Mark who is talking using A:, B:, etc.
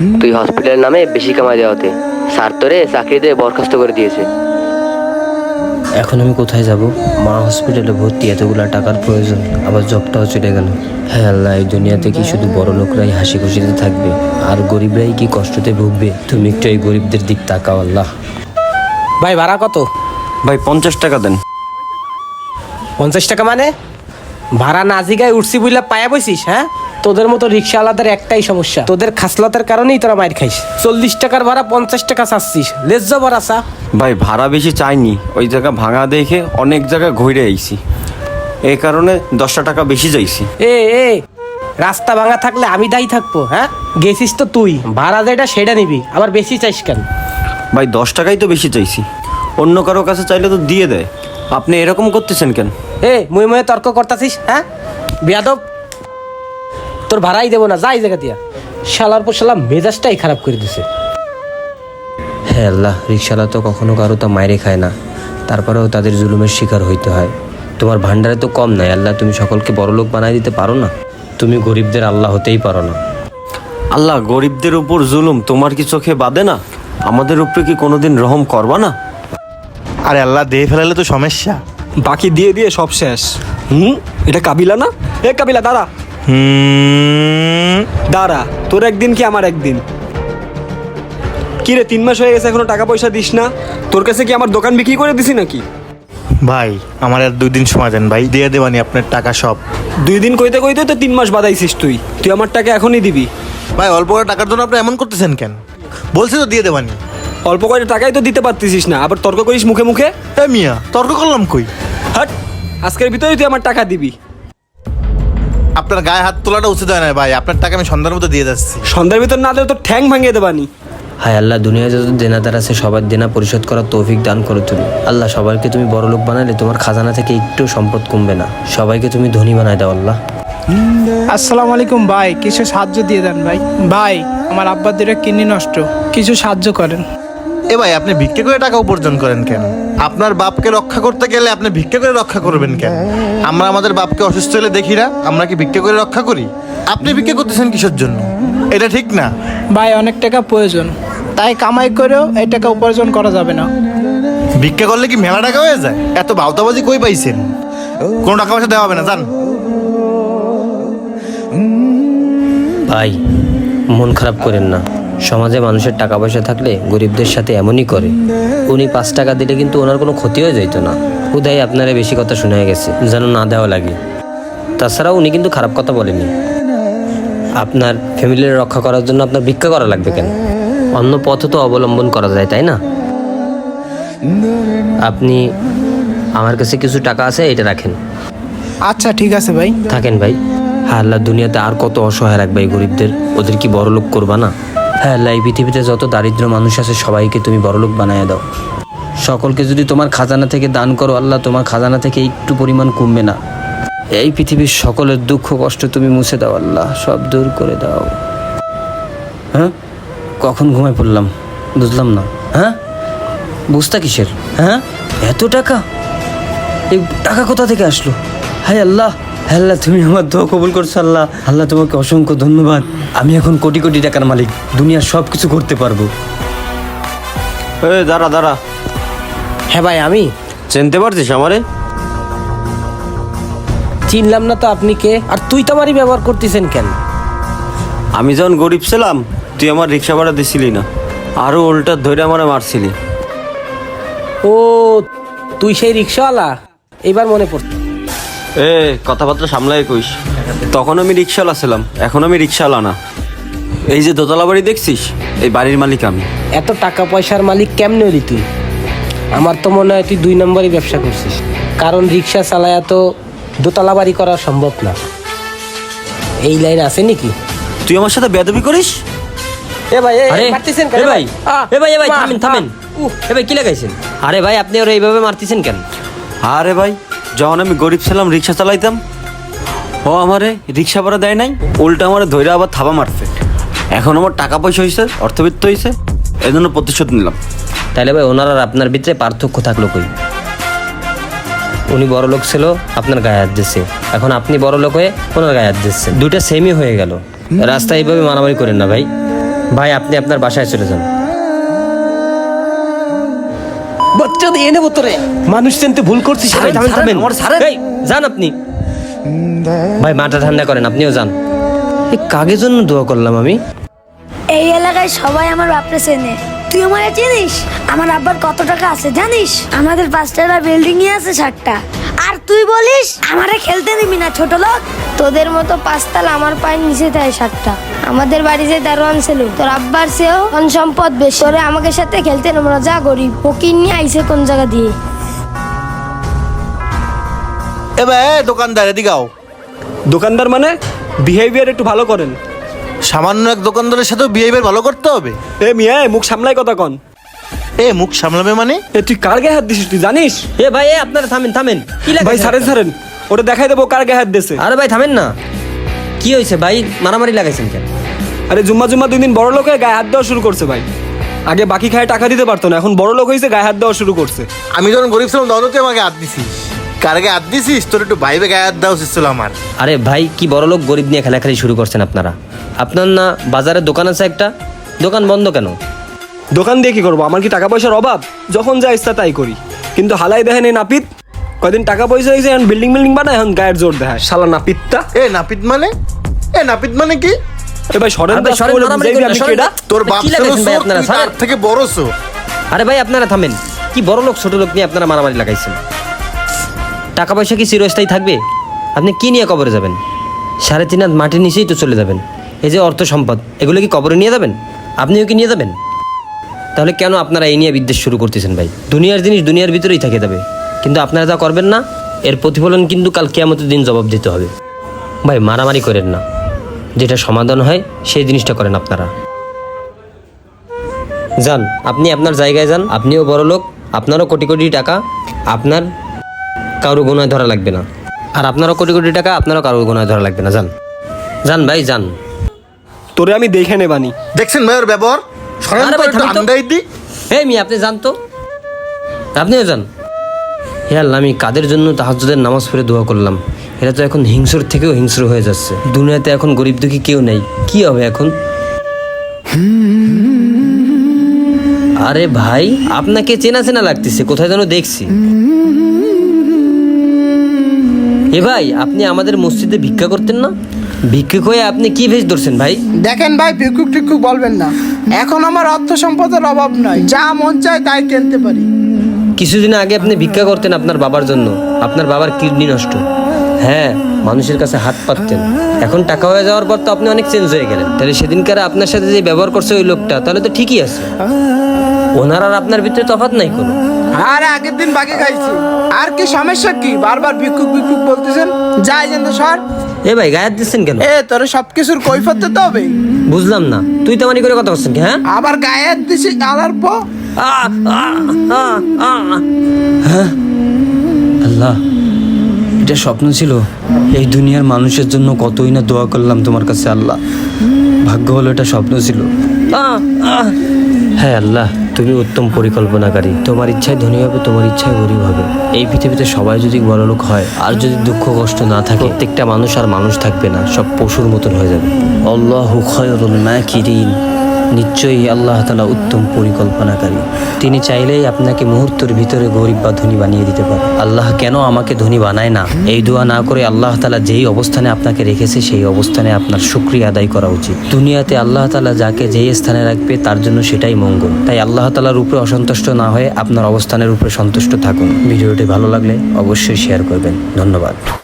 A: তুই হসপিটালের নামে বেশি কামাই দেওয়াতে স্যার তোরে চাকরিতে বরখাস্ত করে দিয়েছে।
B: এখন আমি কোথায় যাব? মা হসপিটালে ভর্তি, এতগুলা টাকার প্রয়োজন, আবার জবটাও চলে গেল। হ্যাঁ আল্লাহ, এই দুনিয়াতে কি শুধু বড় লোকরাই হাসি খুশিতে থাকবে আর গরিবরাই কি কষ্টতে ভুগবে? তুমি একটু এই গরিবদের দিক তাকাও আল্লাহ।
C: ভাই ভাড়া কত?
D: ভাই 50 টাকা দেন।
C: 50 টাকা মানে? ভাড়া না জিগায় উঠছি বুঝলা পায়া বইছিস? হ্যাঁ, তোদের মতো রিক্সাওয়ালাদের একটাই সমস্যা, তোদের খাসলতের কারণেই তোরা মাইর খাইস। 40 টাকার ভাড়া 50 টাকা চাচ্ছিস, লেজ্জা ভাড়া চা।
D: ভাই ভাড়া বেশি চাইনি, ওই জায়গা ভাঙা দেখে অনেক জায়গায় ঘুরে আইছি, এই কারণে 10 টাকা বেশি চাইছি।
C: এ এ রাস্তা ভাঙা থাকলে আমি দায়ী থাকবো? হ্যাঁ, গেছিস তো তুই, ভাড়া যেটা সেটা নিবি, আবার বেশি চাইস কেন?
D: ভাই 10 টাকাই তো বেশি চাইছি, অন্য কারো কাছে চাইলে তো দিয়ে দেয়, আপনি এরকম করতেছেন কেন?
C: এ মুই মুয়ে তর্ক করতাছিস? হ্যাঁ বেয়াদব, তোর ভাড়াই দেবো না, যাই জায়গা দিয়া। শালার পর শালা মেজাজটাই খারাপ করে দিছে।
B: হ্যাঁ আল্লাহ, রিক্সাওয়ালা তো কখনো কারো তা মাইরে খায় না, তারপরেও তাদের জুলুমের শিকার হইতে হয়। তোমার ভান্ডারে তো কম নাই আল্লাহ, তুমি সকলকে বড়লোক বানাই দিতে পারো না? তুমি গরিবদের আল্লাহ হতেই পারো না?
D: আল্লাহ, গরিবদের উপর জুলুম তোমার কি চোখে বাদে না? আমাদের উপরে কি কোনোদিন রহম করবা না?
E: আরে আল্লাহ, দিয়ে ফেলালে তো সমস্যা।
F: বাকি দিয়ে দিয়ে সব শেষ। এটা কাবিলা না? এ কাবিলা দাঁড়া, দাঁড়া, তোর একদিন কি আমার একদিন? কি রে, 3 মাস হয়ে গেছে এখনো টাকা পয়সা দিস না? তোর কাছে কি আমার দোকান বিক্রি করে দিছি নাকি?
E: ভাই আমার আর 2 দিন সময় দেন ভাই, দিয়ে দেবানি আপনার টাকা সব।
F: 2 দিন কইতে কইতে তো 3 মাস বাদাইছিস তুই। তুই আমার টাকা এখনই দিবি।
E: ভাই অল্প করে টাকার জন্য আপনি এমন করতেছেন কেন? বলছি তো দিয়ে দেবানি।
F: অল্প কয়টা টাকাই তো দিতে পারতিস না, আবার তর্ক করিস মুখে মুখে।
E: এ মিয়া, তর্ক করলাম কই?
F: হাট, আজকের ভিতরেই তুই আমার টাকা দিবি।
E: আপনার গায়ে হাত তোলাটা উচিত হয় না ভাই, আপনার টাকা আমি সন্ধ্যার মধ্যে দিয়ে যাচ্ছি।
F: সন্ধ্যার ভিতর না দিলে তোর ঠ্যাং ভাঙিয়ে দেবানি।
B: হায় আল্লাহ, দুনিয়ায় যত দেনাদার আছে সবার দেনা পরিশোধ করার তৌফিক দান করো তুমি। আল্লাহ, সবাইকে তুমি বড়লোক বানালে তোমার খাজানা থেকে একটু সম্পদ কমবে না, সবাইকে তুমি ধনী বানায় দাও আল্লাহ।
G: আসসালামু আলাইকুম ভাই, কিছু সাহায্য দিয়ে দেন ভাই। ভাই আমার আব্বার 2টা কিডনি নষ্ট, কিছু সাহায্য করেন।
E: এ ভাই, আপনি ভিক্ষা করে টাকা উপার্জন করেন কেন? আপনার বাপকে রক্ষা করতে গেলে আপনি ভিক্ষা করে রক্ষা করবেন কেন? আমরা আমাদের বাপকে অসুস্থ হলে দেখি না, আমরা কি ভিক্ষা করে রক্ষা করি? আপনি ভিক্ষা করতেছেন কিসের জন্য? এটা ঠিক না
G: ভাই, অনেক টাকা প্রয়োজন, তাই কামাই করেও এই টাকা উপার্জন করা যাবে না।
E: ভিক্ষা করলে কি মেলা টাকা হয়ে যায়? এত বাউতাবাজি কই পাইছেন? কোনো টাকা পয়সা দেওয়া হবে না, জান।
B: ভাই মন খারাপ করেন না, সমাজে মানুষের টাকা পয়সা থাকলে গরিবদের সাথে এমনই করে। উনি 5 টাকা দিলে কিন্তু ওনার কোনো ক্ষতি হয়ে যাইতো না, হুদাই আপনারা বেশি কথা শুনে গেছে যেন না দেওয়া লাগে। তাছাড়াও উনি কিন্তু খারাপ কথা বলেনি। আপনার ফ্যামিলির রক্ষা করার জন্য আপনার ভিক্ষা করা লাগবে কেন? অন্য পথ তো অবলম্বন করা যায়, তাই না? আপনি আমার কাছে কিছু টাকা আছে, এটা রাখেন।
G: আচ্ছা ঠিক আছে ভাই।
B: থাকেন ভাই। হ্যাঁ আল্লাহ, দুনিয়াতে আর কত অসহায় রাখবে এই গরিবদের, ওদের কি বড়লোক করবা না? হ্যাঁ আল্লাহ, এই পৃথিবীতে যত দারিদ্র মানুষ আছে সবাইকে তুমি বড়লোক বানায় দাও। সকলকে যদি তোমার খাজানা থেকে দান করো আল্লাহ, তোমার খাজানা থেকে একটু পরিমাণ কমবে না। এই পৃথিবীর সকলের দুঃখ কষ্ট তুমি মুছে দাও আল্লাহ, সব দূর করে দাও। হ্যাঁ, কখন ঘুমায় পড়লাম বুঝলাম না। হ্যাঁ, বুঝতা কিসের? হ্যাঁ, এত টাকা, এই টাকা কোথা থেকে আসলো? হায় আল্লাহ, আল্লাহ তুমি আমার দোয়া কবুল করছো আল্লাহ। আল্লাহ তোমাকে অসংখ্য ধন্যবাদ। আমি এখন কোটি কোটি টাকার মালিক, দুনিয়ার সব কিছু করতে পারবো।
D: দাঁড়া দাঁড়া,
C: হ্যাঁ ভাই, আমি
D: চিনতে পারছিস আমারে?
C: চিনলাম না তো, আপনি কে? আর তুই তো আমারই ব্যবহার করতেছেন কেন?
D: আমি যখন গরিব ছিলাম তুই আমার রিক্সা ভাড়া দিছিলি না, আরও উল্টা ধরে আমারে মারছিলি।
C: ও, তুই সেই রিক্সাওয়ালা? এবার মনে পড়ছে।
D: কথাবার্তা সামলাই কইস। তখন আমি রিক্সাওয়ালা ছিলাম, এখন আমি রিক্সাওয়ালা না। এই যে দোতলা বাড়ি দেখছিস, এই বাড়ির মালিক আমি।
C: এত টাকা পয়সার মালিক কেমনে হলি তুই? আমার তো মনে হয় তুই 2 নম্বরই ব্যবসা করছিস, কারণ রিক্সা চালায়া তো দোতলা বাড়ি করা সম্ভব না। এই লাইন আছে নাকি?
D: তুই আমার সাথে বেয়াদবি করিস?
C: এ ভাই,
B: আরে
C: মারতেছেন কেন
B: এ ভাই, এ ভাই, এ ভাই,
C: মা,
B: থামেন থামেন। এ ভাই, কি লাগাইছেন? আরে ভাই, আপনি ওরা এইভাবে মারতেছেন কেন?
D: আরে ভাই, যখন আমি গরিব ছিলাম রিক্সা চালাইতাম, ও আমারে রিক্সা ভাড়া দেয় নাই, উল্টা আমারে ধৈর্য আবার থাবা মারছে। এখন আমার টাকা পয়সা হয়েছে, অর্থবিত্ত হয়েছে, এই জন্য প্রতিশোধ নিলাম।
B: তাইলে ভাই ওনার আর আপনার ভিতরে পার্থক্য থাকলো কই? উনি বড় লোক ছিল, আপনার গায়ে হাত দিচ্ছে, এখন আপনি বড় লোক হয়ে ওনার গায়ে হাত দিচ্ছেন, দুইটা সেমই হয়ে গেল। রাস্তায় এইভাবে মারামারি করেন না ভাই। ভাই আপনি আপনার বাসায় চলে যান।
C: বাচ্চা দিয়ে নেবো তোরে, মানুষ চিনতে ভুল করছিস।
B: ভাই থামেন থামেন,
C: আমার ছাড়েন।
B: এই, যান আপনি। ভাই মাথা ঠান্ডা করেন, আপনিও যান। এই কাগের জন্য দোয়া করলাম আমি।
H: এই এলাকায় সবাই আমার বাপরে চেনে, তুই আমারে চিনিস? আমার আব্বার কত টাকা আছে জানিস? আমাদের 5 তলা বিল্ডিং আছে 7টা, আর তুই বলিস আমারে খেলতে দিবি না ছোট লোক। তোদের মতো 5 তলা আমার পায়ের নিচে দেয় 7টা। আমাদের বাড়ি যে দারোয়ান ছিল তোর আব্বার চেয়েও ধন সম্পদ বেশি। তোরে আমাকে সাথে খেলতে নেবো না, যা গরিব ফকির নিয়ে আইসে কোন জায়গা দিয়ে।
E: এবার দোকানদার এদিকে আও।
F: দোকানদার মানে বিহেভিয়ার একটু ভালো করেন।
E: সামান্য এক দোকানদারের সাথেও বিহেভিয়ার ভালো করতে হবে?
F: এ মিয়া মুখ সামলাই কথা কন।
E: এ মুখ সামলাবে মানে?
F: এ তুই কার গায়ে হাত দিছিস তুই জানিস?
B: এ ভাই এ আপনারা থামেন থামেন, কি লাগে?
F: ভাই ছাড়েন ছাড়েন, ওটা দেখাই দেবো কার গায়ে হাত দিয়েছে।
B: আরে ভাই থামেন না, কি হয়েছে ভাই? মারামারি লাগাইছেন কেন?
F: আরে জুম্মা 2 দিন বড় লোক হয়ে গায়ে হাত দেওয়া শুরু করছে ভাই। আগে বাকি খায় টাকা দিতে পারতো না, এখন বড় লোক হয়েছে গায়ে হাত দেওয়া শুরু করছে।
E: আমি যখন গরিব ছিলাম তখন তুই আমাকে হাত দিছিস। কার গায়ে হাত দিছিস? তোর একটু ভাইবে গায়ে হাত দেওয়া উচিত ছিল আমার।
B: আরে ভাই কি বড় লোক গরিব নিয়ে খেলাখেলি শুরু করছেন আপনারা? আপনার না বাজারে দোকান আছে একটা, দোকান বন্ধ কেন?
F: দোকান দিয়ে কি করবো? আমার কি টাকা পয়সার অভাব? যখন যা ইচ্ছা তাই করি। কিন্তু হালাই দেখেন এই নাপিত কয়দিন টাকা পয়সা হয়েছে, এখন বিল্ডিং বানায়, এখন গায়ের জোর দেখায় শালা নাপিতটা।
E: এ নাপিত মানে? এ নাপিত মানে কি?
F: এ ভাই সরেন
B: আরে ভাই,
F: তো,
B: সরেন,
F: বলে
B: মারামারি
F: বুঝাইবি
B: করেন না,
F: আমি
B: সরেন
F: কেডা?
B: না।
E: তোর বাপ
B: কি
E: ছিল
B: লাগাইছেন ভাই
E: চোর,
B: আপনারা?
E: তুই তার
B: ছাড়েন।
E: থেকে বড় চোর।
B: আরে ভাই আপনারা থামেন, কি বড় লোক ছোট লোক নিয়ে আপনারা মারামারি লাগাইছেন? টাকা পয়সা কি চিরস্থায়ী থাকবে? আপনি কি নিয়ে কবরে যাবেন? 3.5 হাত মাটির নিচেই তো চলে যাবেন। এই যে অর্থ সম্পদ, এগুলো কি কবরে নিয়ে যাবেন? আপনিও কি নিয়ে যাবেন? তাহলে কেন আপনারা এই নিয়ে বিদ্বেষ শুরু করতেছেন ভাই? দুনিয়ার জিনিস দুনিয়ার ভিতরেই থেকে যাবে, কিন্তু আপনারা যা করবেন না এর প্রতিফলন কিন্তু কাল কিয়ামতের দিন জবাব দিতে হবে। ভাই মারামারি করেন না, যেটা সমাধান হয় সেই জিনিসটা করেন আপনারা। যান, আপনি আপনার জায়গায় যান, আপনিও বড় লোক, আপনারও কোটি কোটি টাকা, আপনার কারো গুনায় ধরা লাগবে না। আর আপনারও কোটি কোটি টাকা, আপনারও কারো গুনায় ধরা লাগবে না। যান যান ভাই যান।
F: তোরে আমি দেখে নেবানি।
E: দেখছেন ভাই ওর ব্যবহার? সরেন
B: আরে
E: তো
B: ভাই,
E: একটু
B: থামেন তো।
E: আন্দাই দি।
B: হে মি আপনি যান তো, আপনিও যান। হে আল্লাহ, আমি কাদের জন্য তাহাজ্জুদের নামাজ পড়ে দোয়া করলাম, এরা তো এখন হিংস্র থেকেও হিংস্র হয়ে যাচ্ছে। দুনিয়াতে এখন গরিব দুঃখী কেউ নেই, কি হবে এখন? আরে ভাই আপনাকে চেনা চেনা লাগতেছে, কোথায় যেন দেখছি। এ ভাই আপনি আমাদের মসজিদে ভিক্ষা করতেন না? ভিক্ষুক হয়ে আপনি কি ভেষ ধরছেন ভাই?
G: দেখেন ভাই, ভিক্ষুক টিক্ষুক বলবেন না। এখন আমার অর্থ সম্পদের অভাব নাই, যা মন চায় তাই কিনতে পারি।
B: কিছুদিন আগে আপনি ভিক্ষা করতেন আপনার বাবার জন্য, আপনার বাবার কিডনি নষ্ট। হ্যাঁ, মানুষের কাছে হাত পাততেন। এখন টাকা হয়ে যাওয়ার পর তো আপনি অনেক চেঞ্জ হয়ে গেলেন। তাহলে সেদিনকার আপনার সাথে যে ব্যবহার করছে ওই লোকটা, তাহলে তো ঠিকই আছে। ওনার আর আপনার ভিতরে তফাৎ নাই কোনো।
G: আর আগের দিন বাকি খাইছি, আর কি সমস্যা কি? বারবার ভিক্ষুক ভিক্ষুক বলতেছেন, যাই যেন সর।
B: এ ভাই গায়ে হাত দিচ্ছেন কেন?
G: এ তোর সবকিছুর কৈফত দিতে হবে।
B: বুঝলাম না, তুই তেমানি করে কথা বলছেন কি? হ্যাঁ
G: আবার গায়ে হাত দিছি আলার পর।
B: হ্যাঁ আল্লাহ, এটা স্বপ্ন ছিল। এই দুনিয়ার মানুষের জন্য কতই না দোয়া করলাম তোমার কাছে আল্লাহ, ভাগ্য হলো এটা স্বপ্ন ছিল। হ্যাঁ আল্লাহ, তুমি উত্তম পরিকল্পনাকারী। তোমার ইচ্ছায় ধনী হবে, তোমার ইচ্ছায় গরিব হবে। এই পৃথিবীতে সবাই যদি বড়লোক হয় আর যদি দুঃখ কষ্ট না থাকে, প্রত্যেকটা মানুষ আর মানুষ থাকবে না, সব পশুর মতন হয়ে যাবে। আল্লাহু খায়রুল মাকিরিন, নিশ্চয়ই আল্লাহ তাআলা উত্তম পরিকল্পনাকারী। তিনি চাইলেই আপনাকে মুহূর্তের ভিতরে গরিব বা ধনী বানিয়ে দিতে পারে। আল্লাহ কেন আমাকে ধনী বানায় না, এই দোয়া না করে আল্লাহ তাআলা যেই অবস্থানে আপনাকে রেখেছে সেই অবস্থানে আপনার শুকরিয়া আদায় করা উচিত। দুনিয়াতে আল্লাহ তাআলা যাকে যেই স্থানে রাখবে তার জন্য সেটাই মঙ্গল। তাই আল্লাহ তাআলার উপরে অসন্তুষ্ট না হয়ে আপনার অবস্থানের উপরে সন্তুষ্ট থাকুন। ভিডিওটি ভালো লাগলে অবশ্যই শেয়ার করবেন। ধন্যবাদ।